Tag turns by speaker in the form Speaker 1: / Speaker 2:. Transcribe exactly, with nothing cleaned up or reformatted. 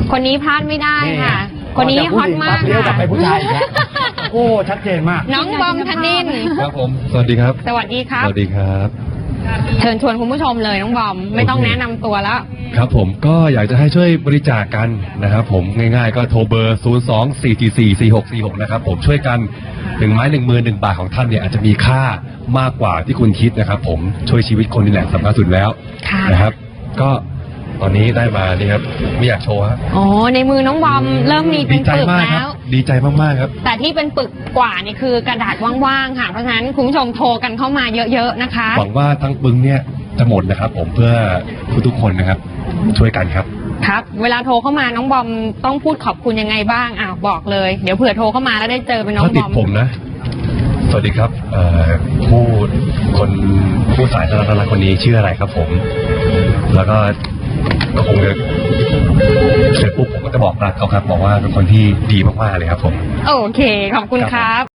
Speaker 1: คนนี้พลาดไม่ได้ค่ะคนนี้ฮอตมาก
Speaker 2: เลี้ยวกลับไปผู้ชายนะโอ้ชัดเจนมาก
Speaker 1: น้องบอมธนินทร์
Speaker 3: ครับผมสวัสดีครับ
Speaker 1: สวัสดีครับ
Speaker 3: สวัสดีครับ
Speaker 1: เชิญชวนคุณผู้ชมเลยน้องบอมไม่ต้องแนะนำตัวแล้ว
Speaker 3: ครับผมก็อยากจะให้ช่วยบริจาคกันนะครับผมง่ายๆก็โทรเบอร์ศูนย์ สอง สี่ สี่ สี่ สี่ หก สี่ หกนะครับผมช่วยกันหนึ่งไม้หนึ่งมือหนึ่งบาทของท่านเนี่ยอาจจะมีค่ามากกว่าที่คุณคิดนะครับผมช่วยชีวิตคนนี่แหละสำคัญสุดแล้วนะครับก็ตอนนี้ได้มานี่ครับไม่อยากโชว์ฮะ
Speaker 1: อ๋อในมือน้องบอมเริ่มมีเป็นปึกแล้ว
Speaker 3: ดีใจมากๆครับ
Speaker 1: แต่ที่เป็นปึกกว่านี่คือกระดาษว่างๆค่ะเพราะฉะนั้นคุณผู้ชมโทรกันเข้ามาเยอะๆนะคะ
Speaker 3: หวังว่าทั้งปึ้งเนี่ยจะหมดนะครับผมเพื่อทุกๆคนนะครับช่วยกันครับ
Speaker 1: ครับเวลาโทรเข้ามาน้องบอมต้องพูดขอบคุณยังไงบ้างอ้าวบอกเลยเดี๋ยวเผื่อโทรเข้ามาแล้วได้เจอเป็นน้องบอม
Speaker 3: ติดผมนะสวัสดีครับผู้คนผู้สายสารสนคนนี้ชื่ออะไรครับผมแล้วก็ก็คงจะเสร็จปุ๊บผมก็จะบอกรักเขาครับบอกว่าเป็นคนที่ดีมากๆเลยครับผม
Speaker 1: โอเคขอบคุณครับ